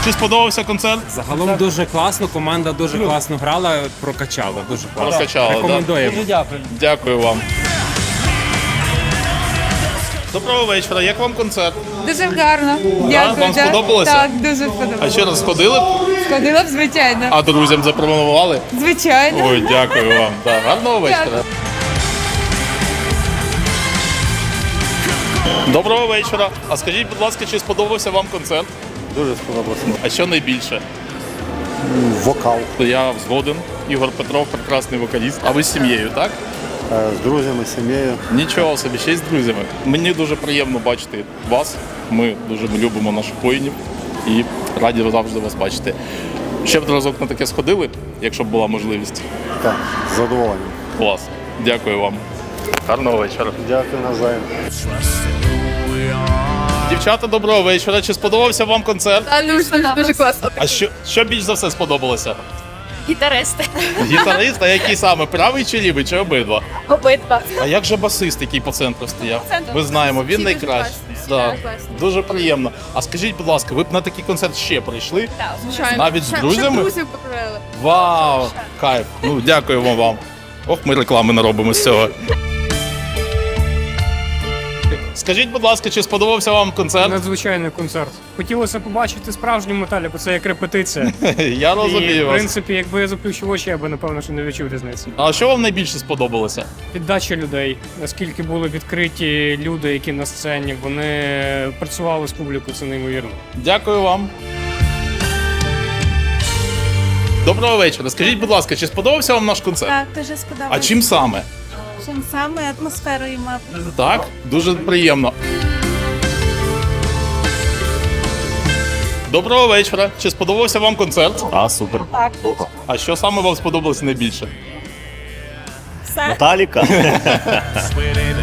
чи сподобався концерт? Загалом дуже класно, команда дуже класно грала, прокачала, дуже класно. Прокачала, Рекомендуємо. Дякую вам. Доброго вечора, як вам концерт? Дуже гарно. Дякую. Вам сподобалося? Так, дуже сподобалося. А ще раз сходили б? Сходила б, звичайно. А друзям запропонували? Звичайно. Ой, дякую вам. Так, гарного вечора. Доброго вечора. А скажіть, будь ласка, чи сподобався вам концерт? Дуже сподобався. А що найбільше? Вокал. Я згоден. Ігор Петров, прекрасний вокаліст. А ви з сім'єю, так? З друзями, сім'єю. Нічого собі, ще й з друзями. Мені дуже приємно бачити вас. Ми дуже любимо наших воїнів і раді завжди вас бачити. Ще б разок на таке сходили, якщо б була можливість. Так, з задоволенням. Клас. Дякую вам. Гарного вечора. Дякую навзаєм. Дівчата, доброго вечора. Чи сподобався вам концерт? Дуже класно. А що більш за все сподобалося? Гітаристи. Гітарист, а який саме? Правий чи лівий, чи обидва? Обидва. А як же басист, який по центру стояв? центру. Ми знаємо, він Всі найкращий. дуже Да. класні. Дуже класні. Дуже приємно. А скажіть, будь ласка, ви б на такий концерт ще прийшли? Так, Звичайно. Навіть з друзями? Друзів покрили. Вау! Кайф! Ну, дякуємо вам. Ох, ми реклами наробимо з цього. Скажіть, будь ласка, чи сподобався вам концерт? Надзвичайний концерт. Хотілося побачити справжню металі, бо це як репетиція. Я І, розумію в вас. принципі, якби я заплющив очі, я би, напевно, що не відчув різниці. А що вам найбільше сподобалося? Віддача людей, наскільки були відкриті люди, які на сцені, вони працювали з публікою, це неймовірно. Дякую вам. Доброго вечора. Скажіть, будь ласка, чи сподобався вам наш концерт? Так, дуже сподобалося. А чим саме? Чим саме атмосферою мав. Так? Дуже приємно. Доброго вечора. Чи сподобався вам концерт? А, супер. Так. А що саме вам сподобалося найбільше? Все. Металіка.